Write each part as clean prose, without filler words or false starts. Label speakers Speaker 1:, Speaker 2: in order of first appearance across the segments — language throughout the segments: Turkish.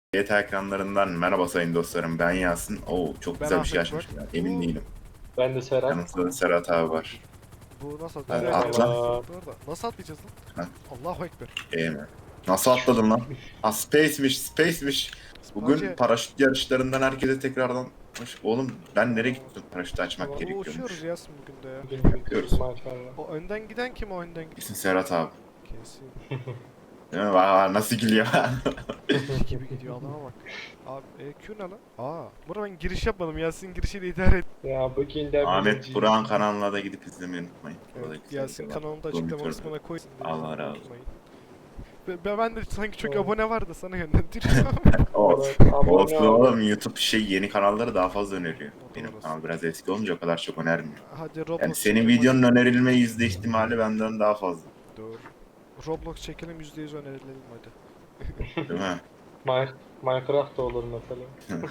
Speaker 1: GTA ekranlarından merhaba sayın dostlarım, ben Yasin. Oo, çok
Speaker 2: Ben
Speaker 1: güzel bir şey
Speaker 2: Ahmet
Speaker 1: açmışım
Speaker 2: Burak.
Speaker 1: ya. Emin değilim.
Speaker 3: Ben de Serhat.
Speaker 1: Yanımızda da Serhat abi var.
Speaker 2: Bu nasıl?
Speaker 1: Hadi
Speaker 2: Nereye
Speaker 1: atla.
Speaker 2: atlayacağız? Orada. Nasıl atlayacağız lan?
Speaker 1: Ha,
Speaker 2: Allahu Ekber.
Speaker 1: iyi mi? Nasıl atladın lan? Ha, Space'miş. Bugün
Speaker 2: Hacı.
Speaker 1: paraşüt yarışlarından herkese tekrardan... Oğlum ben nereye gittim? Paraşütü açmak
Speaker 3: Tamam,
Speaker 2: Uçuyoruz
Speaker 1: gerekiyormuş.
Speaker 2: Yasin bugün de ya.
Speaker 3: Bugün bir
Speaker 1: Yapıyoruz.
Speaker 3: maşallah.
Speaker 2: O önden giden kim o önden giden?
Speaker 1: İsim Serhat abi.
Speaker 2: Kesin.
Speaker 1: Değil mi? Vay, nasıl gülüyor?
Speaker 2: Gibi gidiyor adama bak. Abi Q ne lan? Burada ben giriş yapmadım. Yasin girişiyle idare et.
Speaker 3: Ya bugün de
Speaker 1: Ahmet Burak'ın kanalına da gidip izlemeyi unutmayın. Orada
Speaker 2: Evet,
Speaker 1: güzel
Speaker 2: Yasin
Speaker 1: videolar.
Speaker 2: kanalını da
Speaker 1: Uzun
Speaker 2: açıklama
Speaker 1: videolar.
Speaker 2: kısmına koysun.
Speaker 1: Allah razı olsun.
Speaker 2: Unutmayın. Ben de sanki çok
Speaker 3: Evet.
Speaker 2: abone vardı sana yönlendiriyorum.
Speaker 1: Olsun.
Speaker 3: Evet, abone
Speaker 1: Olsun
Speaker 3: ol.
Speaker 1: oğlum, YouTube yeni kanalları daha fazla öneriyor.
Speaker 2: O da
Speaker 1: Benim
Speaker 2: orası.
Speaker 1: kanal biraz eski olunca o kadar çok önermiyor.
Speaker 2: Hadi
Speaker 1: Yani
Speaker 2: Roblox
Speaker 1: senin
Speaker 2: çekelim,
Speaker 1: videonun
Speaker 2: hadi.
Speaker 1: önerilme yüzde ihtimali benden daha fazla.
Speaker 2: Doğru. Roblox çekelim %100 önerilelim hadi.
Speaker 1: Değil mi?
Speaker 3: Minecraft da olur mesela.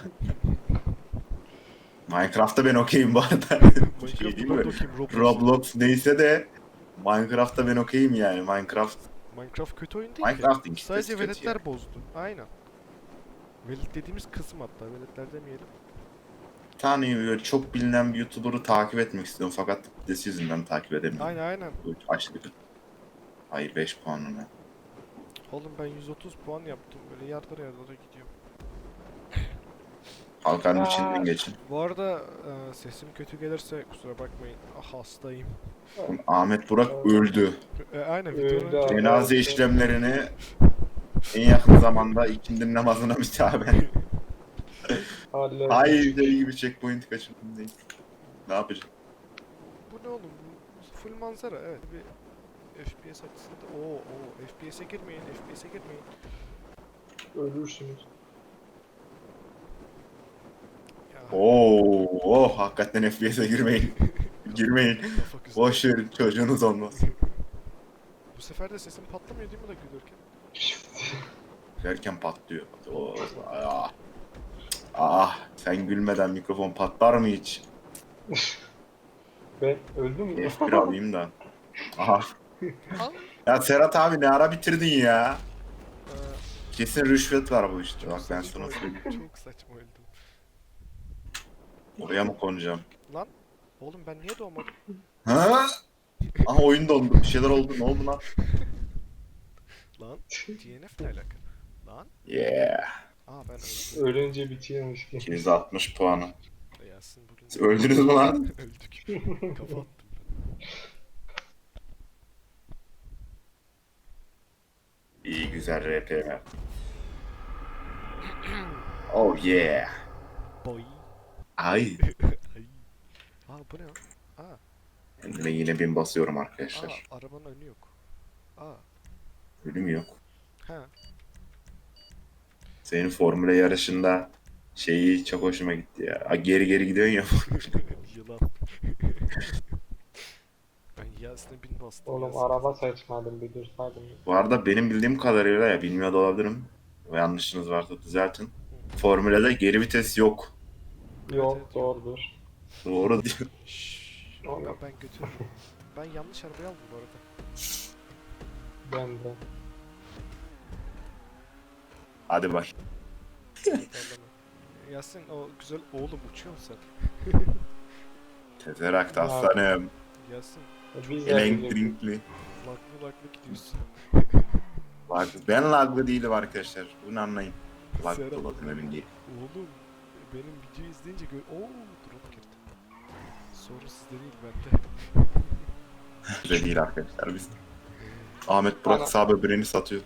Speaker 1: Minecraft'ta ben okeyim bu arada. Bir şey
Speaker 2: Minecraft'ta
Speaker 1: değil
Speaker 2: ben
Speaker 1: mi?
Speaker 2: de okuyayım Roblox.
Speaker 1: Roblox neyse de Minecraft'ta ben okeyim yani.
Speaker 2: Minecraft kötü oyun değil ki.
Speaker 1: Minecraft'ın kitlesi
Speaker 2: Sadece
Speaker 1: kötü
Speaker 2: veletler
Speaker 1: yani.
Speaker 2: bozdu. Aynen. Velet dediğimiz kısım hatta. Veletler demeyelim.
Speaker 1: Bir tane böyle çok bilinen bir YouTuber'ı takip etmek istiyorum fakat kitlesi yüzünden takip edemiyorum.
Speaker 2: Aynen.
Speaker 1: Bu aşırı kötü. Hayır, 5 puanım.
Speaker 2: Oğlum ben 130 puan yaptım. Böyle yardıra gidiyorum.
Speaker 1: Halkanın
Speaker 3: Aa.
Speaker 1: içinden geçin.
Speaker 2: Bu arada sesim kötü gelirse kusura bakmayın. Hastayım.
Speaker 1: Ahmet Burak öldü.
Speaker 2: Aynen
Speaker 3: Öldü
Speaker 2: videonun önce.
Speaker 3: abi.
Speaker 1: Cenaze işlemlerini en yakın zamanda ikindi namazına müsaade.
Speaker 3: Halledin.
Speaker 1: Hayır, deli gibi checkpoint kaçırdım. Neyse. Ne yapacağım?
Speaker 2: Bu ne oğlum? Bu full manzara. Evet bir FPS açısında. FPS'e girmeyin. FPS'e girmeyin.
Speaker 3: Ölürsünüz.
Speaker 2: Ya.
Speaker 1: Oo, hakikaten FPS'e girmeyin. Girmeyin.
Speaker 2: Kafa güzel.
Speaker 1: Boş verin, çocuğunuz olmaz.
Speaker 2: Bu sefer de sesim patlamıyor değil mi da gülürken?
Speaker 1: Derken patlıyor. Oo, sen gülmeden mikrofon patlar mı hiç?
Speaker 3: Ben öldüm mü?
Speaker 1: F1 alayım da. Aha.
Speaker 2: Al.
Speaker 1: Ya Serhat abi, ne ara bitirdin ya?
Speaker 2: Ee,
Speaker 1: Kesin rüşvet var bu işte.
Speaker 2: çok
Speaker 1: Bak ben
Speaker 2: saçma
Speaker 1: sana
Speaker 2: öldüm.
Speaker 1: söyleyeyim.
Speaker 2: Çok saçma öldüm.
Speaker 1: Oraya mı konacağım?
Speaker 2: Lan oğlum ben niye doğmadım?
Speaker 1: Ha? Aha, oyun dondu. Bir şeyler oldu. Ne oldu lan?
Speaker 2: Lan DNF ne alaka? Lan
Speaker 1: Yeah.
Speaker 2: ben öldüm.
Speaker 3: Ölünce bitiyormuş ki.
Speaker 1: 260 puanı.
Speaker 2: Yasin bugün
Speaker 1: Siz öldünüz mü lan?
Speaker 2: öldük. Kafa attım ben.
Speaker 1: İyi, güzel RP. Oh yeah.
Speaker 2: Boy.
Speaker 1: Ay.
Speaker 2: Ay. Bu ne lan?
Speaker 1: Kendime yine bin basıyorum arkadaşlar.
Speaker 2: Arabanın önü yok.
Speaker 1: Ölüm yok.
Speaker 2: Ha.
Speaker 1: Senin formüle yarışında şeyi çok hoşuma gitti ya. Geri geri gidiyorsun ya.
Speaker 2: Yılan. Ben Yasin'e bin bastım.
Speaker 3: Oğlum
Speaker 2: Yasin.
Speaker 3: araba seçmedim, bir dursaydım.
Speaker 1: Bu arada benim bildiğim kadarıyla, ya bilmiyor da olabilirim. Ve yanlışınız varsa düzeltin. Formülede geri vites yok.
Speaker 3: Yok,
Speaker 2: Evet.
Speaker 3: doğrudur.
Speaker 1: Doğru diyor.
Speaker 2: Şşş.
Speaker 3: Oğlum.
Speaker 2: Ben götürürüm. Ben yanlış arabayı aldım bu arada.
Speaker 3: Ben de.
Speaker 1: Hadi bak.
Speaker 2: Pardon. Yasin o güzel oğlum uçuyorsun sen.
Speaker 1: Tezerakt aslanım.
Speaker 2: Yasin
Speaker 3: Biz de bilirdik.
Speaker 1: Elektrikli.
Speaker 2: laglı gidiyorsun.
Speaker 1: Ben laglı değilim arkadaşlar. Bunu anlayın. Laglı
Speaker 2: Serap.
Speaker 1: olalım, emin değil.
Speaker 2: Oğlum benim videoyu izleyince drop girdi. Sorun sizde değil bende.
Speaker 1: Öyle değil arkadaşlar biz. Ahmet Burak sağ böbreğini satıyor.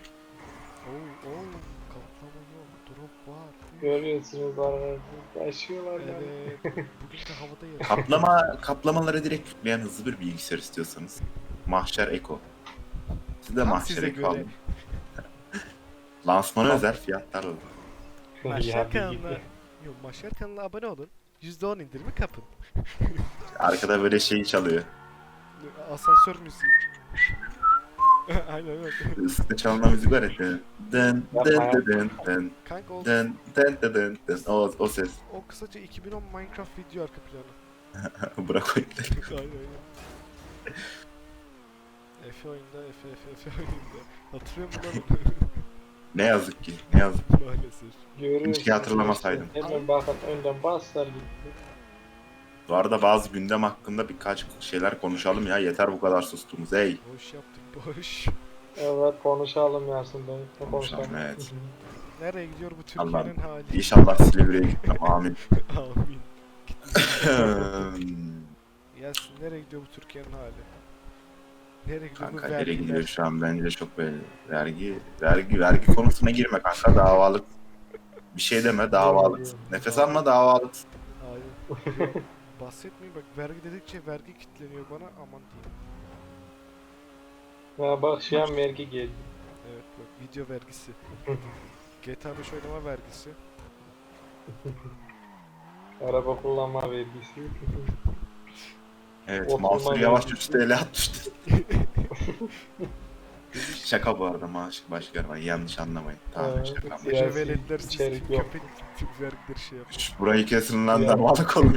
Speaker 2: Kaplama yok, drop var.
Speaker 3: Görüyorsunuz arabayı. Yaşıyorlar yani.
Speaker 2: Evet, bugün de havada yarış.
Speaker 1: Kaplamaları direkt yükleyen hızlı bir bilgisayar istiyorsanız. Mahşer Eko. Siz de
Speaker 2: Tam
Speaker 1: Mahşer
Speaker 2: size
Speaker 1: Eko
Speaker 2: göre.
Speaker 1: alın. Lansmana özel fiyatlar alın.
Speaker 2: Maşer
Speaker 3: Ya bir
Speaker 2: kanalına,
Speaker 3: gitti.
Speaker 2: yok Maşer kanalına abone olun. %10 indirimi kapın.
Speaker 1: Arkada böyle şey çalıyor.
Speaker 2: Asansör müziği. Aynen öyle.
Speaker 1: Üstte çalınan müzik var ya. Dın dın dın dın dın
Speaker 2: Kanka o,
Speaker 1: dın dın dın dın dın. O ses.
Speaker 2: o kısaca 2010 Minecraft video arka planı.
Speaker 1: Bırak oyunu.
Speaker 2: Aynen aynen. Efe oyunda, Efe oyunda. Hatırlıyor musun lan?
Speaker 1: Ne yazık ki. Ne yazık.
Speaker 2: Maalesef.
Speaker 3: Görüyorsunuz.
Speaker 1: Keşke hatırlamasaydım.
Speaker 3: işte. Hemen bakın önden baslar gitti.
Speaker 1: Bu arada bazı gündem hakkında birkaç şeyler konuşalım ya. Yeter bu kadar sustuğumuz. Hey.
Speaker 2: Boş yaptık boş.
Speaker 3: Evet konuşalım Yasin Bey.
Speaker 1: Konuşalım, evet.
Speaker 2: Nereye gidiyor bu
Speaker 1: Allah'ım.
Speaker 2: Türkiye'nin hali?
Speaker 1: İnşallah Silivri'ye gitmem. Amin.
Speaker 2: Amin. Yasin nereye gidiyor bu Türkiye'nin hali? Nereye gidiyor bu
Speaker 1: Kanka nereye
Speaker 2: vergiler?
Speaker 1: gidiyor şu an bence çok belli. Vergi konusuna girme kanka, davalık. Bir şey deme, davalık. Nefes alma, davalık.
Speaker 2: Hayır. Yok. Bahsetmeyin bak, vergi dedikçe vergi kitleniyor bana, aman diyeyim.
Speaker 3: Ya bak şu an vergi geldi.
Speaker 2: Evet bak, video vergisi. GTA 5 oynama vergisi.
Speaker 3: Araba kullanma vergisi.
Speaker 1: Evet,
Speaker 3: Oturma
Speaker 1: Mansur Yavaş
Speaker 3: vergisi.
Speaker 1: 3 TL atmıştı. Şaka bu arada, maaş başka var, yanlış anlamayın. Tamam,
Speaker 3: Evet,
Speaker 1: şaka.
Speaker 3: siyasi
Speaker 2: Gece veletler siz
Speaker 3: içerik yok.
Speaker 2: köpek vergileri şey yapıyor.
Speaker 1: Burayı kesin lan,
Speaker 3: Ya.
Speaker 1: davalık olur.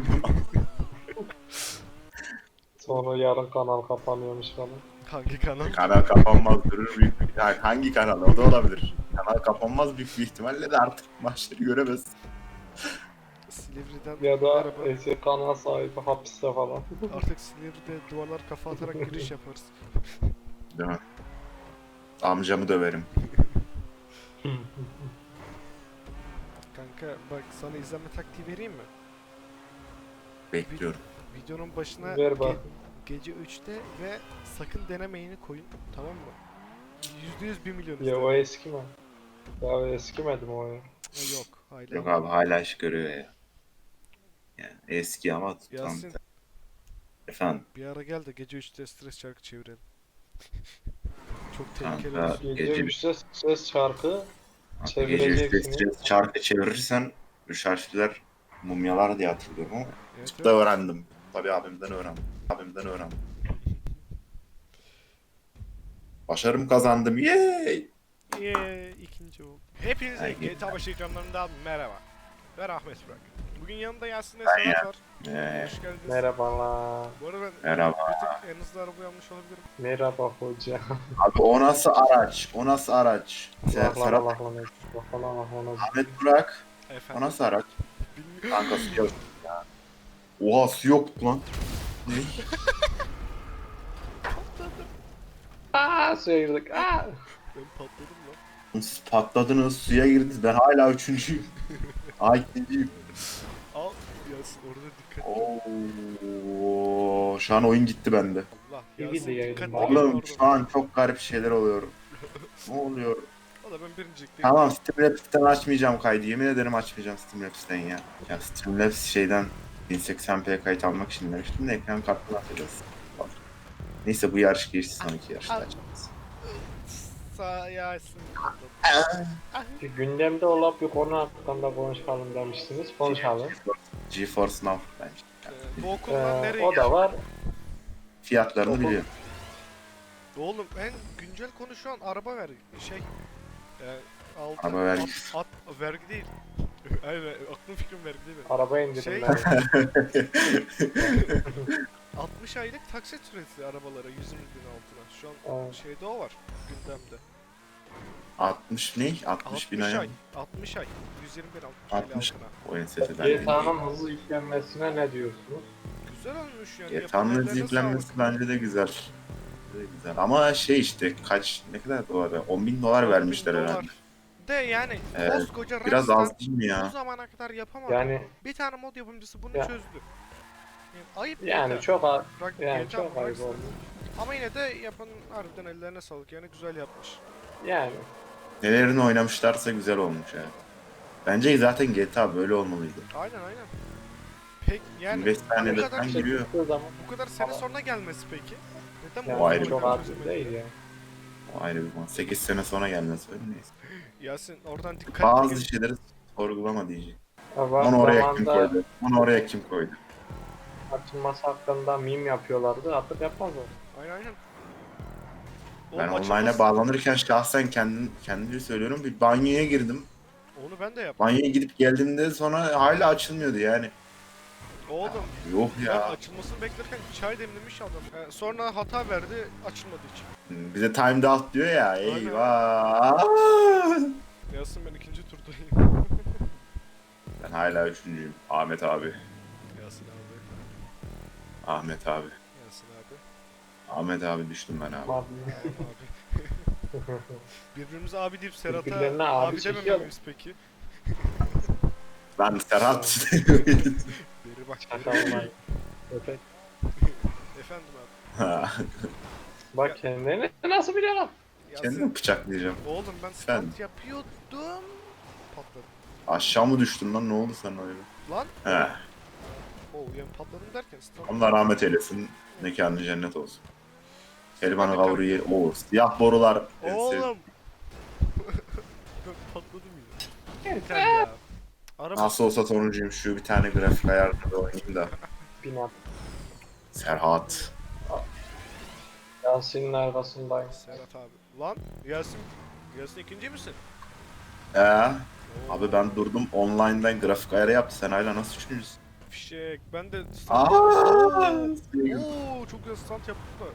Speaker 3: Sonra yarın kanal kapanıyormuş falan.
Speaker 2: Hangi kanal?
Speaker 1: Kanal kapanmaz, durur büyük bir... Yani hangi kanal? O da olabilir. Kanal kapanmaz büyük bir ihtimalle de artık maçları göremez.
Speaker 2: Silivri'den
Speaker 3: Ya da
Speaker 2: merhaba.
Speaker 3: eski kanal sahibi hapiste falan.
Speaker 2: Artık Silivri'de duvarlar kafa atarak giriş yaparız.
Speaker 1: Değil mi? Amcamı döverim.
Speaker 2: Kanka bak, sana izlenme taktiği vereyim mi?
Speaker 1: Bekliyorum.
Speaker 2: Videonun başına
Speaker 3: Ver bak.
Speaker 2: gece 3'te ve sakın denemeyini koyun, tamam mı? %100 1 milyon
Speaker 3: Ya o
Speaker 2: izlenme.
Speaker 3: eski mi? Ya o eskimedi mi o ya?
Speaker 2: Ha, yok hala.
Speaker 1: Yok abi, hala iş görüyor ya. Yani eski ama tam...
Speaker 2: Yasin,
Speaker 1: Efendim
Speaker 2: bir ara gel de gece 3'te stres şarkı çevirelim. Çok
Speaker 1: Kanka,
Speaker 2: tehlikeli olur.
Speaker 3: Gece
Speaker 1: Gece-
Speaker 3: 3'te ses şarkı
Speaker 1: gece
Speaker 3: çevireceksiniz.
Speaker 1: üstü şarkı çevirirsen üç harfler mumyalar diye hatırlıyorum ama
Speaker 2: Evet,
Speaker 1: tıpta öğrendim. Tabii abimden öğrendim. Başarım kazandım. Yay!
Speaker 2: ikinci oldu. Hepinize
Speaker 1: Ay,
Speaker 2: GTA 5 ekranlarından merhaba. Ben Ahmet Burak. Bugün yanımda Yasin ve
Speaker 1: Ben
Speaker 2: Serhat var.
Speaker 1: Ee,
Speaker 2: Hoş geldiniz.
Speaker 3: Merhabalar.
Speaker 2: Bu arada ben
Speaker 1: Merhaba.
Speaker 2: bir tık en hızlı araba yanlış olabilirim.
Speaker 3: Merhaba hoca.
Speaker 1: Abi o nasıl araç? O nasıl araç? Serhat Ahmet Burak. O
Speaker 2: Efendim.
Speaker 1: nasıl araç?
Speaker 2: Bilmiyorum.
Speaker 1: Kanka su yok ya. Oha, su yok lan. Ne?
Speaker 3: Aaa suya girdik. Aaa.
Speaker 2: Ben patladım lan.
Speaker 1: Siz patladınız, suya girdiniz. Ben hala üçüncüyüm. Ay, ikinciyim.
Speaker 2: Al Yasin, orada dikkat.
Speaker 1: Oo, şu an oyun gitti bende.
Speaker 2: Allah
Speaker 3: İyi
Speaker 2: Yasin
Speaker 3: de yayın
Speaker 2: dikkat
Speaker 3: var.
Speaker 2: edin
Speaker 1: Oğlum
Speaker 2: orada.
Speaker 1: şu an çok garip şeyler oluyor. Ne oluyor?
Speaker 2: O da ben birincilik değilim.
Speaker 1: Tamam, Streamlabs'ten açmayacağım kaydı. Yemin ederim açmayacağım Streamlabs'ten ya. Ya Streamlabs şeyden 1080p kayıt almak için demiştim de ekran kartını atacağız. Neyse, bu yarış geçti, sonraki yarışta açacağız.
Speaker 2: Sağ Yasin.
Speaker 3: Gündemde olan bir konu hakkında konuşalım demiştiniz. Konuşalım.
Speaker 1: GeForce Now bence.
Speaker 2: Bu okuldan nereye
Speaker 3: O da var.
Speaker 1: Fiyatlarını
Speaker 3: Okul-
Speaker 1: biliyorum.
Speaker 2: Oğlum en güncel konu şu an araba vergi. Altı,
Speaker 1: Araba vergisi.
Speaker 2: vergi değil. Aynen, aklım fikrim vergi değil benim.
Speaker 3: Araba
Speaker 2: Şey-
Speaker 3: indirimleri.
Speaker 2: 60 aylık taksit süresi arabalara 120 bin altına. Şu an
Speaker 3: Evet.
Speaker 2: şeyde o var gündemde.
Speaker 1: 60 ne? 60 bin
Speaker 2: 60
Speaker 1: ay.
Speaker 2: ay. 60 ay. 120 bin 60
Speaker 1: 60.
Speaker 2: altına.
Speaker 1: O enseseden
Speaker 3: GTA'nın hızlı yüklenmesine ne diyorsunuz?
Speaker 2: Güzel olmuş yani.
Speaker 1: GTA'nın
Speaker 2: yapan
Speaker 1: hızlı
Speaker 2: ellerine
Speaker 1: yüklenmesi
Speaker 2: sağlık.
Speaker 1: bence de güzel. Güzel. Ama şey işte, ne kadar dolar be? 10 bin dolar
Speaker 2: 10.000
Speaker 1: vermişler
Speaker 2: dolar.
Speaker 1: herhalde.
Speaker 2: De yani
Speaker 1: Evet,
Speaker 2: koskoca
Speaker 1: Biraz
Speaker 2: Rockstar
Speaker 1: az değil mi
Speaker 2: bu
Speaker 1: ya?
Speaker 2: zamana kadar yapamadı.
Speaker 3: Yani
Speaker 2: Bir tane mod yapımcısı bunu
Speaker 3: Ya.
Speaker 2: çözdü. Yani ayıp
Speaker 3: yani
Speaker 2: GTA.
Speaker 3: çok az.
Speaker 2: Rock-
Speaker 3: Yani
Speaker 2: GTA
Speaker 3: çok ayıp
Speaker 2: Rockstar.
Speaker 3: oldu.
Speaker 2: Ama yine de yapan harbiden ellerine sağlık, yani güzel yapmış.
Speaker 3: Yani
Speaker 1: Nelerini oynamışlarsa güzel olmuş yani. Bence zaten GTA böyle olmalıydı.
Speaker 2: Aynen aynen. Pek yani
Speaker 1: 25
Speaker 2: bu
Speaker 1: saniyede
Speaker 2: kadar,
Speaker 1: falan giriyor.
Speaker 3: çıktığı zaman
Speaker 2: bu kadar sene sonra gelmesi peki? Neden
Speaker 3: yani
Speaker 2: bu
Speaker 1: ayrı
Speaker 2: oyunu
Speaker 1: bir
Speaker 3: çok az
Speaker 2: çözemedi?
Speaker 3: değil yani.
Speaker 1: O ayrı bir konu. 8 sene sonra gelmesi öyle, neyse.
Speaker 2: Yasin oradan dikkatli
Speaker 1: Bazı
Speaker 2: gel.
Speaker 1: şeyleri sorgulama diyeceğim.
Speaker 3: Ama
Speaker 1: Onu oraya kim
Speaker 3: zamanda
Speaker 1: koydu? Onu oraya kim koydu?
Speaker 3: açılması hakkında meme yapıyorlardı. Artık yapmazlar.
Speaker 2: Aynen aynen.
Speaker 1: Ben
Speaker 2: Oğlum
Speaker 1: online'a
Speaker 2: açılması-
Speaker 1: bağlanırken şahsen kendimi söylüyorum, bir banyoya girdim.
Speaker 2: Onu ben de yaptım.
Speaker 1: Banyoya gidip geldiğimde sonra hala açılmıyordu yani.
Speaker 2: Oğlum
Speaker 1: Yok
Speaker 2: ben
Speaker 1: ya.
Speaker 2: açılmasını beklerken çay demlemiş adam. Sonra hata verdi açılmadığı için.
Speaker 1: Bize timed out diyor ya.
Speaker 2: Aynen.
Speaker 1: Eyvah.
Speaker 2: Yasin ben ikinci turdayım.
Speaker 1: Ben hala üçüncüyüm. Ahmet abi.
Speaker 2: Yasin abi.
Speaker 1: Ahmet abi.
Speaker 2: Yasin abi.
Speaker 1: Ahmet abi düştüm ben abi.
Speaker 3: Abi.
Speaker 2: Tamam abi. Birbirimize abi deyip Serhat'a
Speaker 3: Birbirlerine abi
Speaker 2: abi
Speaker 3: çekiyor.
Speaker 2: demememiz peki.
Speaker 1: Ben Serhat.
Speaker 2: Beri bak.
Speaker 3: Çakallar. Köpek.
Speaker 2: Efendim abi.
Speaker 3: Bak kendini nasıl biliyor lan?
Speaker 2: Yasin.
Speaker 1: Kendimi bıçaklayacağım.
Speaker 2: Oğlum ben
Speaker 1: Sen.
Speaker 2: stunt yapıyordum. Patladım.
Speaker 1: Aşağı mı düştün lan? Ne oldu sana öyle?
Speaker 2: Lan.
Speaker 1: He.
Speaker 2: Oo yani patladım derken stunt.
Speaker 1: Allah rahmet eylesin. Mekanı cennet olsun. Kelimanı
Speaker 2: Ben de
Speaker 1: kavru yer. Oo, siyah borular.
Speaker 2: Oğlum. Ben patladım yine. Yeter ya. Araba
Speaker 1: Nasıl olsa sonuncuyum. Şu bir tane grafik ayarında oynayayım da.
Speaker 3: Binat.
Speaker 1: Serhat.
Speaker 3: Yasin'in arkasındayım.
Speaker 2: Serhat abi. Lan Yasin. Yasin ikinci misin?
Speaker 1: Ee,
Speaker 2: Oo,
Speaker 1: abi ben durdum online'dan grafik ayarı yaptı. Sen hala nasıl üçüncüsün?
Speaker 2: Fişek. Ben de stunt
Speaker 1: Aa!
Speaker 2: Oo çok güzel stunt yaptım da.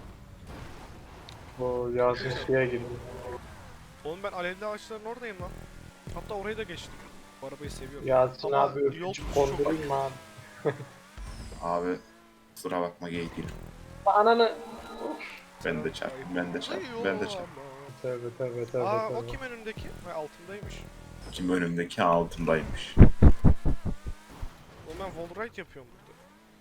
Speaker 3: Bu Yasin suya girdi.
Speaker 2: Oğlum ben alevli ağaçların oradayım lan. Hatta orayı da geçtim. Bu arabayı seviyorum.
Speaker 3: Yasin
Speaker 2: Ama
Speaker 3: abi
Speaker 2: yol
Speaker 3: öpücük
Speaker 2: tutuşu çok
Speaker 3: kondurayım mı abi?
Speaker 1: Abi kusura bakma geyik değilim.
Speaker 3: Ananı.
Speaker 1: Ben de çarptım. Ben de çarptım. Ben de çarptım.
Speaker 3: Tövbe tövbe tövbe
Speaker 2: Aa o
Speaker 3: tövbe.
Speaker 2: kim önümdeki? Ha altındaymış.
Speaker 1: Kim önümdeki altındaymış.
Speaker 2: Oğlum ben wallride yapıyorum burada.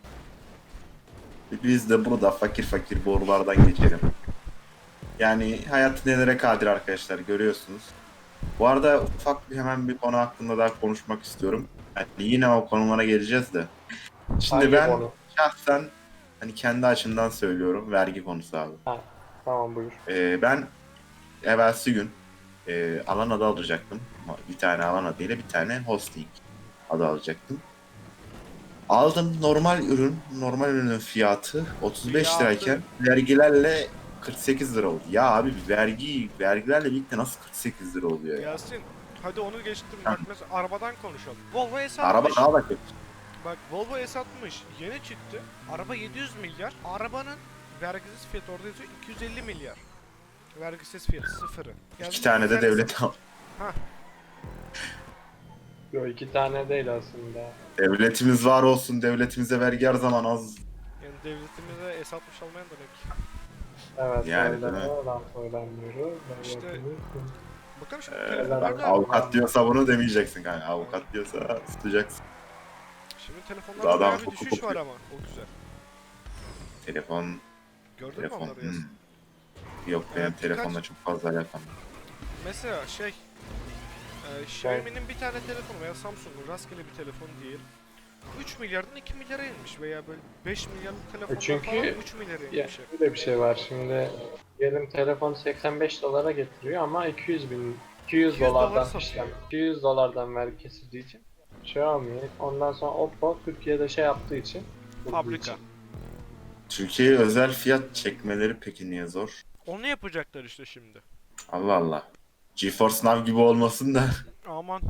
Speaker 1: Biz de burada fakir fakir borulardan geçelim. Yani hayat nelere kadir arkadaşlar görüyorsunuz. Bu arada ufak bir hemen bir konu hakkında daha konuşmak istiyorum. Yani yine o konulara geleceğiz de. Şimdi
Speaker 3: Hangi
Speaker 1: ben
Speaker 3: konu?
Speaker 1: şahsen hani kendi açımdan söylüyorum vergi konusu abi.
Speaker 3: Tamam buyur.
Speaker 1: Ben evvelsi gün alan adı alacaktım. Bir tane alan adıyla bir tane hosting adı alacaktım. Aldım normal ürünün fiyatı 35
Speaker 2: Fiyatı.
Speaker 1: lirayken vergilerle 48 lira oldu. Ya abi vergilerle birlikte nasıl 48 lira oluyor ya?
Speaker 2: Yasin hadi onu geçtim. Bak mesela arabadan konuşalım. Volvo S60.
Speaker 1: Araba daha da kötü.
Speaker 2: Bak Volvo S60 yeni çıktı. Araba 700 milyar. Arabanın vergisiz fiyatı orada yazıyor 250 milyar. Vergisiz fiyatı sıfırı. Yani
Speaker 1: İki tane de
Speaker 2: yani-
Speaker 1: devlet al.
Speaker 3: Yok 2 tane değil aslında.
Speaker 1: Devletimiz var olsun. Devletimize vergi her zaman az.
Speaker 2: Yani devletimize S60 almayan demek.
Speaker 3: Evet
Speaker 1: Yani,
Speaker 3: öyle
Speaker 1: değil mi?
Speaker 3: lan söylemiyoruz.
Speaker 2: İşte- Bakalım şimdi
Speaker 1: Bak
Speaker 2: telefonlarda...
Speaker 1: avukat diyorsa bunu demeyeceksin kanka. Avukat diyorsa tutacaksın.
Speaker 2: Şimdi
Speaker 1: Adam
Speaker 2: telefonlarda bayağı bir
Speaker 1: hukuk
Speaker 2: düşüş var
Speaker 1: okuyor.
Speaker 2: ama. O güzel.
Speaker 1: Telefon,
Speaker 2: Gördün mü onları Yasin?
Speaker 1: Yok benim
Speaker 2: Evet,
Speaker 1: telefonla çok fazla alakam yok.
Speaker 2: Mesela Xiaomi'nin bir tane telefonu veya Samsung'un rastgele bir telefon diyelim. 3 milyardan 2 milyara inmiş veya böyle 5 milyarlık telefonlar
Speaker 3: Çünkü-
Speaker 2: falan 3 milyara
Speaker 3: Ya
Speaker 2: inmiş.
Speaker 3: böyle bir şey var şimdi. Diyelim telefon 85 dolara getiriyor ama 200
Speaker 2: 200 dolar
Speaker 3: dolardan
Speaker 2: satıyor.
Speaker 3: işte 200 dolardan vergi kesildiği için Xiaomi ondan sonra Oppo Türkiye'de şey yaptığı için bulduğu
Speaker 2: Fabrika.
Speaker 3: için.
Speaker 1: Türkiye'ye özel fiyat çekmeleri peki niye zor?
Speaker 2: Onu yapacaklar işte şimdi.
Speaker 1: Allah Allah. GeForce Now gibi olmasın da
Speaker 2: Aman.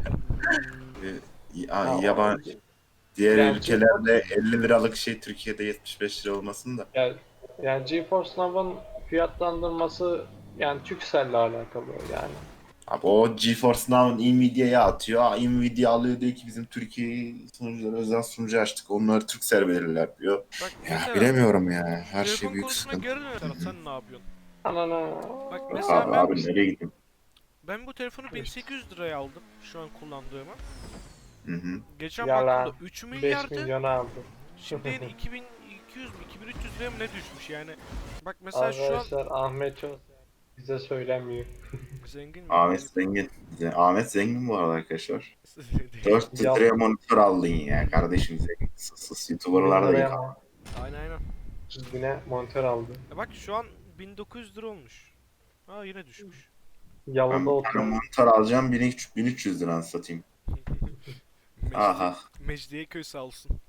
Speaker 3: Ha,
Speaker 1: yaban diğer
Speaker 3: Yani
Speaker 1: ülkelerde 50 liralık şey Türkiye'de 75 lira olmasın da.
Speaker 3: Yani GeForce Now'ın fiyatlandırması yani Turkcell'le alakalı yani.
Speaker 1: Abi o GeForce Now Nvidia'ya atıyor. Nvidia alıyor diyor ki bizim Türkiye sunucuları özel sunucu açtık. Onları Turkcell verirler diyor.
Speaker 2: Bak
Speaker 1: Ya
Speaker 2: mesela
Speaker 1: bilemiyorum ya. Her şey
Speaker 2: telefon
Speaker 1: büyük
Speaker 2: konusuna
Speaker 1: sıkıntı.
Speaker 2: geri dönelim. Sen ne yapıyorsun?
Speaker 3: Anana.
Speaker 2: Bak
Speaker 1: Yok
Speaker 2: mesela
Speaker 1: abi,
Speaker 2: ben,
Speaker 1: abi nereye gideyim?
Speaker 2: ben bu telefonu 1800 liraya aldım şu an kullandığımı.
Speaker 1: Hı hı.
Speaker 2: Geçen
Speaker 3: Yalan.
Speaker 2: baktığımda 3
Speaker 3: 5
Speaker 2: milyardı.
Speaker 3: milyona aldı.
Speaker 2: Şimdi yeni 2200 mi 2300 liraya mı ne düşmüş yani. Bak mesela şu an
Speaker 3: Arkadaşlar Ahmet çok bize söylemiyor.
Speaker 2: zengin mi?
Speaker 1: Ahmet zengin. Ahmet zengin bu arada arkadaşlar.
Speaker 2: Değil.
Speaker 1: 4
Speaker 3: Ya-
Speaker 1: liraya monitör aldın ya kardeşim zengin. Sus
Speaker 3: 1000
Speaker 1: YouTuber'lar da
Speaker 3: liraya
Speaker 1: yıkar.
Speaker 3: mı?
Speaker 2: Aynen aynen.
Speaker 3: 1000'e monitör aldı.
Speaker 2: Bak şu an 1900 lira olmuş. Ha yine düşmüş.
Speaker 1: Ben
Speaker 3: Yalıda
Speaker 1: bir tane
Speaker 3: oturuyor.
Speaker 1: monitör alacağım 1300 lira satayım. Aha.
Speaker 2: Mecidiyeköy sağ olsun.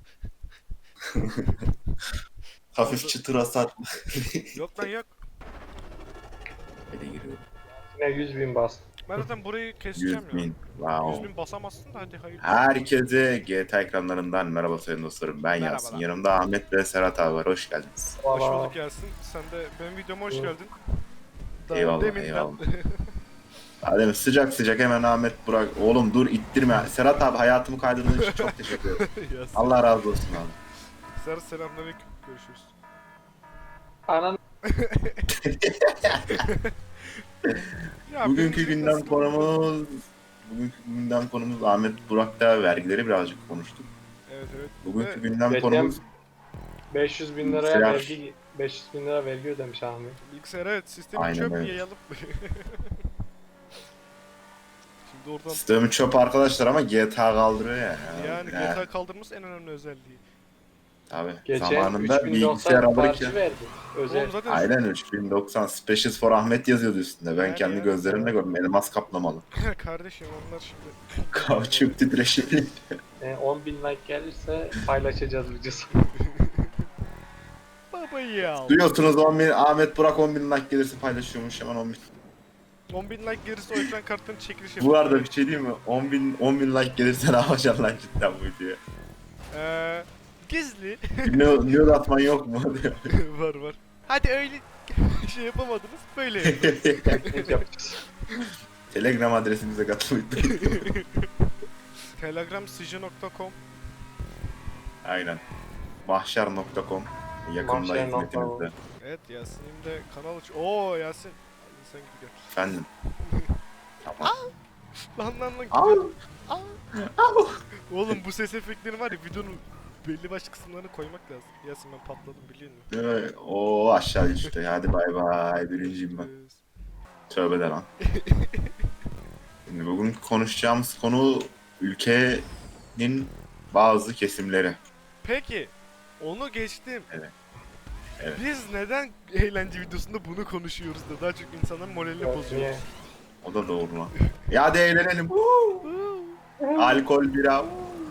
Speaker 1: Hafif çıtır hasar.
Speaker 2: Yok lan yok.
Speaker 1: Böyle giriyorum.
Speaker 3: Yine 100.000 bastı.
Speaker 2: Ben zaten burayı keseceğim
Speaker 1: 100
Speaker 2: ya.
Speaker 1: bin. Wow.
Speaker 2: 100 bin basamazsın da hadi hayır.
Speaker 1: Herkese GTA ekranlarından merhaba sayın dostlarım. Ben Yasin.
Speaker 2: Merhabalar.
Speaker 1: Yanımda Ahmet ve Serhat abi var. Hoş geldiniz.
Speaker 2: Hoş
Speaker 3: Valla
Speaker 2: bulduk Yasin. Sen de benim videoma hoş
Speaker 3: Hı.
Speaker 2: geldin.
Speaker 1: Eyvallah,
Speaker 2: Deminden.
Speaker 1: eyvallah. Adem sıcak sıcak hemen Ahmet Burak. Oğlum dur ittirme. Serhat abi hayatımı kaydırdığın için çok teşekkür ederim.
Speaker 2: Yasin.
Speaker 1: Allah razı olsun abi.
Speaker 2: Serhat selamünaleyküm. Görüşürüz.
Speaker 3: Anan
Speaker 2: Ya
Speaker 1: Bugünkü
Speaker 2: benim
Speaker 1: gündem
Speaker 2: nasıl-
Speaker 1: konumuz Ahmet Burak'ta vergileri birazcık konuştuk.
Speaker 2: Evet evet.
Speaker 1: Bugünkü
Speaker 2: Ve
Speaker 1: gündem
Speaker 3: Geçen-
Speaker 1: konumuz
Speaker 3: 500 bin liraya
Speaker 1: Selam.
Speaker 3: vergi 500 bin lira vergi ödemiş Ahmet.
Speaker 2: bilgisayar evet sistemi
Speaker 1: Aynen
Speaker 2: çöp
Speaker 1: öyle.
Speaker 2: yayalım. Şimdi oradan
Speaker 1: sistemi çöp arkadaşlar ama GTA kaldırıyor ya.
Speaker 2: yani
Speaker 1: Ya,
Speaker 2: GTA kaldırması en önemli özelliği.
Speaker 1: tabii.
Speaker 3: Geçen
Speaker 1: Zamanında bilgisayar
Speaker 3: 3090
Speaker 1: alırken
Speaker 3: parça verdi. Özel.
Speaker 2: Oğlum zaten
Speaker 1: aynen 3090 Specials for Ahmet yazıyordu üstünde. Ben
Speaker 2: Yani
Speaker 1: kendi
Speaker 2: ya.
Speaker 1: gözlerimle gördüm. Elmas kaplamalı.
Speaker 2: kardeşim onlar şimdi.
Speaker 1: Kauçuk titreşimli.
Speaker 3: 10 bin like gelirse paylaşacağız videosu.
Speaker 2: Baba ya.
Speaker 1: Duyuyorsunuz 10.000 Ahmet Burak 10.000 like gelirse paylaşıyormuş hemen 10.000.
Speaker 2: 10.000 like gerisi o ekran kartının çekiliş
Speaker 1: Bu
Speaker 2: yapıyor.
Speaker 1: arada bir şey diyeyim mi? 10.000 like gelirse ne yapacaksın lan cidden bu videoya?
Speaker 2: Gizli.
Speaker 1: Nude atman yok mu?
Speaker 2: var var. Hadi öyle şey yapamadınız böyle yapın.
Speaker 3: Ne yapacağız?
Speaker 1: Telegram adresimize katılmayı unutmayın.
Speaker 2: Telegramsıcı.com
Speaker 1: Aynen. Mahşer.com yakında
Speaker 3: Mahşer.com.
Speaker 1: hizmetimizde.
Speaker 2: Evet Yasin'in de kanal aç. Oo Yasin. Sen gibi gel.
Speaker 1: Efendim. Tamam.
Speaker 2: Lan
Speaker 1: Au.
Speaker 2: gidiyor. Oğlum bu ses efektleri var ya videonun belli başlı kısımlarını koymak lazım. Yasin ben patladım biliyor musun?
Speaker 1: O aşağı düştü. Hadi bay bay. Birinciyim ben. Tövbe de lan. Şimdi bugün konuşacağımız konu ülkenin bazı kesimleri.
Speaker 2: Peki onu geçtim.
Speaker 1: Evet. Evet.
Speaker 2: Biz neden eğlence videosunda bunu konuşuyoruz da daha çok insanların moralini
Speaker 3: Yok,
Speaker 2: bozuyoruz.
Speaker 3: niye?
Speaker 1: O da doğru lan. Ya hadi eğlenelim. Alkol, bira.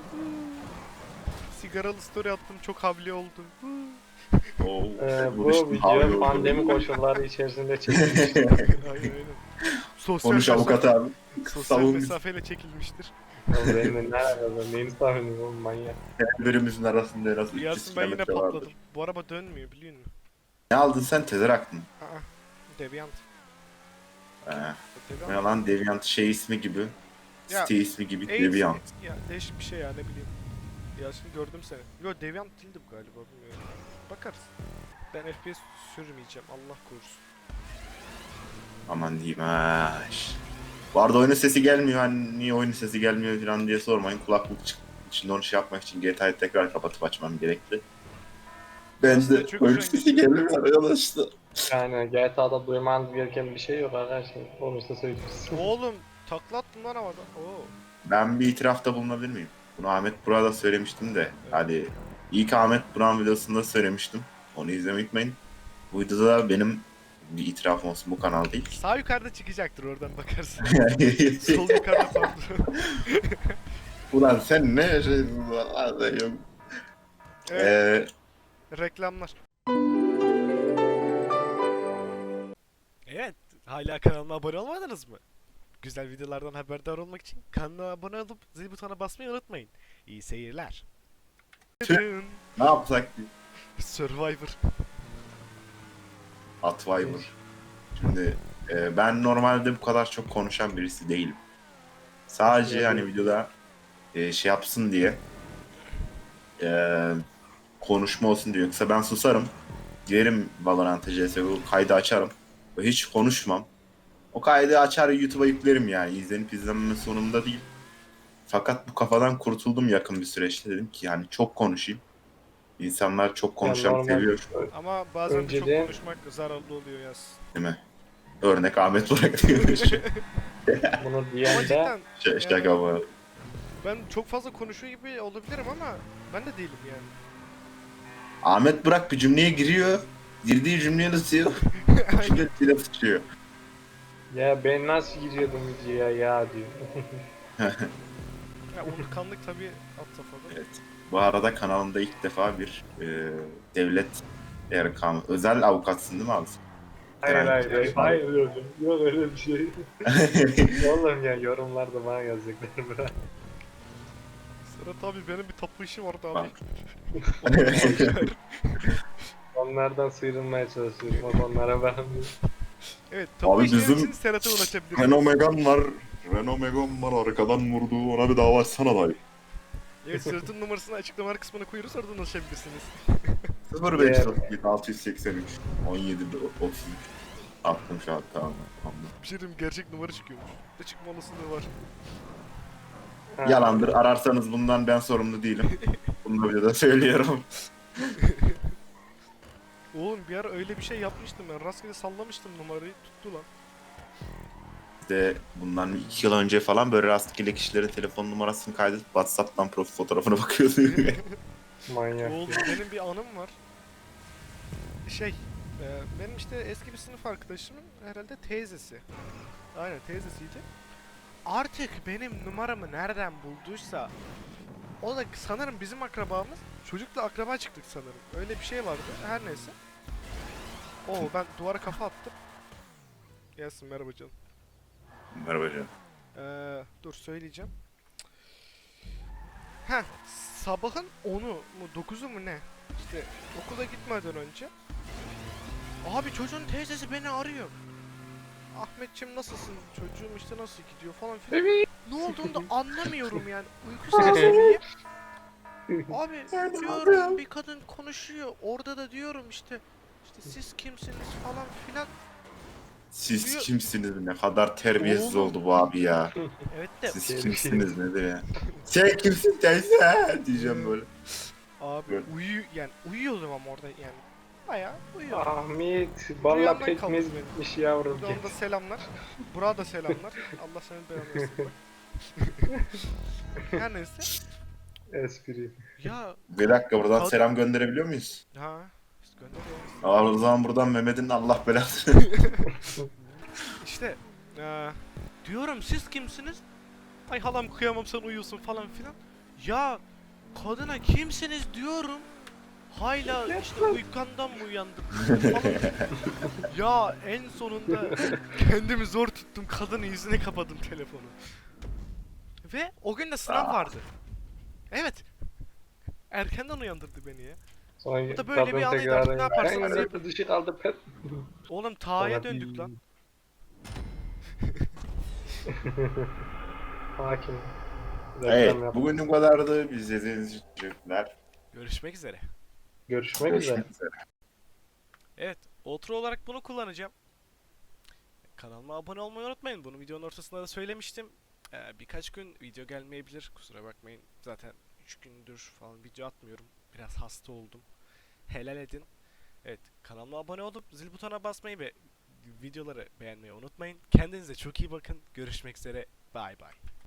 Speaker 2: Sigaralı story attım çok havli oldu.
Speaker 1: Oo,
Speaker 3: Bu
Speaker 1: konuştum, havlu
Speaker 3: video
Speaker 1: oldu.
Speaker 3: pandemi koşulları içerisinde çekilmiş.
Speaker 2: aynen aynen. Sosyal
Speaker 1: Konuş avukat abi.
Speaker 2: Sosyal
Speaker 1: Savun bizi.
Speaker 2: mesafeyle çekilmiştir.
Speaker 3: Oğlum benimle ne alakalı? Neyini tahminim oğlum manyak.
Speaker 1: Birimizin arasında en az 300
Speaker 2: Yasin ben yine
Speaker 1: kilometre vardır.
Speaker 2: patladım. Bu araba dönmüyor biliyor musun?
Speaker 1: Ne aldın sen? Tezerak mı?
Speaker 2: Aa, Deviant.
Speaker 1: Ne
Speaker 2: Deviant.
Speaker 1: lan Deviant şey ismi gibi.
Speaker 2: Ya,
Speaker 1: Site ismi gibi
Speaker 2: AIDS-
Speaker 1: Deviant.
Speaker 2: Ya değişik bir şey ya ne bileyim. Yasin gördüm seni. Yo Deviant değildi bu galiba bilmiyorum. Bakarız. Ben FPS sürmeyeceğim Allah korusun.
Speaker 1: Aman diyeyim ha. Bu arada oyunun sesi gelmiyor. Hani niye oyunun sesi gelmiyor falan diye sormayın. Kulaklık içinde onu şey yapmak için GTA'yı tekrar kapatıp açmam gerekli. Ben
Speaker 2: Aslında
Speaker 1: de
Speaker 2: çok
Speaker 1: oyun
Speaker 2: güzel
Speaker 1: sesi gelmiyor arkadaşlar.
Speaker 3: Yani GTA'da duymanız gereken bir şey yok arkadaşlar. Olursa söyleyeceğiz.
Speaker 2: Oğlum takla attım lan havada. Oo.
Speaker 1: Ben bir itirafta bulunabilir miyim? Bunu Ahmet Burak'a da söylemiştim de. Hadi ilk Ahmet Burak'ın videosunda söylemiştim. Onu izlemeyi unutmayın. Bu videoda da benim bir itirafım olsun, bu kanal değil.
Speaker 2: Sağ yukarıda çıkacaktır oradan bakarsın. Sol yukarıda pardon.
Speaker 1: Ulan sen ne yaşıyorsun? Vallahi yok.
Speaker 2: Evet, reklamlar. Evet, hala kanalıma abone olmadınız mı? Güzel videolardan haberdar olmak için kanala abone olup zil butonuna basmayı unutmayın. İyi seyirler.
Speaker 1: Tüh. Ne yapsak ki?
Speaker 2: Survivor.
Speaker 1: Atviber. Şimdi ben normalde bu kadar çok konuşan birisi değilim. Sadece
Speaker 3: Yani-
Speaker 1: hani videoda şey yapsın diye konuşma olsun diyor. Yoksa ben susarım. Girerim Valorant'a, CSGO kaydı açarım. Ve hiç konuşmam. O kaydı açar YouTube'a yüklerim yani. İzlenip izlenmeme sonunda değil. Fakat bu kafadan kurtuldum yakın bir süreçte. Dedim ki yani çok konuşayım. İnsanlar çok konuşan
Speaker 3: normal-
Speaker 1: seviyor
Speaker 2: Ama bazen de çok
Speaker 3: Önceden-
Speaker 2: konuşmak zararlı oluyor yaz.
Speaker 1: değil mi? Örnek Ahmet Burak diyormuş.
Speaker 3: Bunu
Speaker 2: Ama
Speaker 3: diyen de
Speaker 2: cidden
Speaker 1: Şaka bu.
Speaker 2: ben çok fazla konuşuyor gibi olabilirim ama ben de değilim yani.
Speaker 1: Ahmet Burak bir cümleye giriyor. Girdiği cümleye tutuyor. Cümlesiyle tutuyor.
Speaker 3: ya ben nasıl giriyordum videoya ya diyor.
Speaker 2: Ya unutkanlık tabii at safhada.
Speaker 1: Evet. Bu arada kanalında ilk defa bir devlet erkanı, özel avukatsın değil mi abi?
Speaker 3: Hayır
Speaker 1: Yani-
Speaker 3: hayır hayır. Hayır hocam. Yok öyle bir şey. Oğlum ya yorumlarda bana yazacaklar bırak.
Speaker 2: Serhat abi benim bir tapu işim vardı abi.
Speaker 1: Bak.
Speaker 3: Onlardan sıyrılmaya çalışıyorum. Bak onlara ben
Speaker 2: Evet, topu
Speaker 1: Abi
Speaker 2: işlemek
Speaker 1: bizim
Speaker 2: için Serhat'a ulaşabilirsiniz.
Speaker 1: Renault Megane var. Renault Megane var arkadan vurdu. Ona bir dava açsana dayı.
Speaker 2: Evet, Serhat'ın numarasını açıklama kısmına koyuyoruz, oradan ulaşabilirsiniz.
Speaker 1: 0537 683 17 33. Attım şu an tamam. Tamam.
Speaker 2: Bir şey diyeyim, gerçek numara çıkıyormuş. Ne çıkma olasılığı var.
Speaker 1: Yalandır. Ararsanız bundan ben sorumlu değilim. Bunu bir de söylüyorum.
Speaker 2: Oğlum bir ara öyle bir şey yapmıştım ben. Rastgele sallamıştım numarayı, tuttu lan.
Speaker 1: İşte bundan 2 yıl önce falan böyle rastgele kişilerin telefon numarasını kaydedip WhatsApp'tan profil fotoğrafına bakıyordu.
Speaker 3: Manyak.
Speaker 2: Oğlum benim bir anım var. Benim işte eski bir sınıf arkadaşımın herhalde teyzesi. Aynen, teyzesiydi. Artık benim numaramı nereden bulduysa, o da sanırım bizim akrabamız. Çocukla akraba çıktık sanırım. Öyle bir şey vardı. Her neyse. Oo, ben duvara kafa attım. Gelsin, merhaba canım.
Speaker 1: Merhaba canım.
Speaker 2: Dur söyleyeceğim. Heh, sabahın 10'u mu 9'u mu ne? İşte okula gitmeden önce. Abi çocuğun teyzesi beni arıyor. Ahmetciğim nasılsın? Çocuğum işte nasıl gidiyor falan filan. Ne olduğunu da anlamıyorum yani. Uyku sersemiyim. Abi diyorum bir kadın konuşuyor. Orada da diyorum işte siz kimsiniz falan filan.
Speaker 1: Siz
Speaker 2: Diyor-
Speaker 1: kimsiniz? Ne kadar terbiyesiz
Speaker 2: Oğlum.
Speaker 1: oldu bu abi ya.
Speaker 2: Evet de
Speaker 1: Siz
Speaker 3: Terbiyesiz.
Speaker 1: kimsiniz nedir ya? Sen kimsin teyze? Diyeceğim böyle.
Speaker 2: abi
Speaker 1: Böyle.
Speaker 2: yani uyuyordum ama orada yani. Bayağı uyuyordum.
Speaker 3: Ahmet, balla
Speaker 2: Rüyamdan
Speaker 3: pekmez
Speaker 2: kaldı benim.
Speaker 3: bitmiş yavrum.
Speaker 2: Buradan da selamlar. Burak'a da selamlar. Allah senin belanı versin bak. Her neyse.
Speaker 3: Espri.
Speaker 2: Ya
Speaker 1: Bir dakika buradan
Speaker 2: Kalk-
Speaker 1: selam gönderebiliyor muyuz?
Speaker 2: ha işte gönderiyoruz.
Speaker 1: O zaman buradan Mehmet'in Allah belasını.
Speaker 2: İşte diyorum siz kimsiniz? Ay halam kıyamam sen uyuyorsun falan filan. Ya kadına kimsiniz diyorum. Hala işte uykandan mı uyandın falan. Ya en sonunda kendimi zor tuttum. Kadının yüzüne kapadım telefonu. Ve o gün de sınav vardı. Evet. Erkenden uyandırdı beni ya.
Speaker 3: Sonra
Speaker 2: Bu da böyle bir anıydı, artık ne yaparsanız
Speaker 3: Ben
Speaker 2: yapın.
Speaker 3: dışı kaldı pet.
Speaker 2: Oğlum Ta'ya döndük lan.
Speaker 3: Hakim.
Speaker 1: Evet,
Speaker 3: Reklam yap.
Speaker 1: bugün bu kadardı. Biz izlediğiniz için teşekkürler.
Speaker 2: Görüşmek üzere.
Speaker 3: Görüşmek üzere.
Speaker 1: Görüşmek üzere.
Speaker 2: Evet, outro olarak bunu kullanacağım. Kanalıma abone olmayı unutmayın. Bunu videonun ortasında da söylemiştim. Birkaç gün video gelmeyebilir. Kusura bakmayın. Zaten 3 gündür falan video atmıyorum. Biraz hasta oldum. Helal edin. Evet, kanalıma abone olup zil butonuna basmayı ve videoları beğenmeyi unutmayın. Kendinize çok iyi bakın. Görüşmek üzere. Bay bay.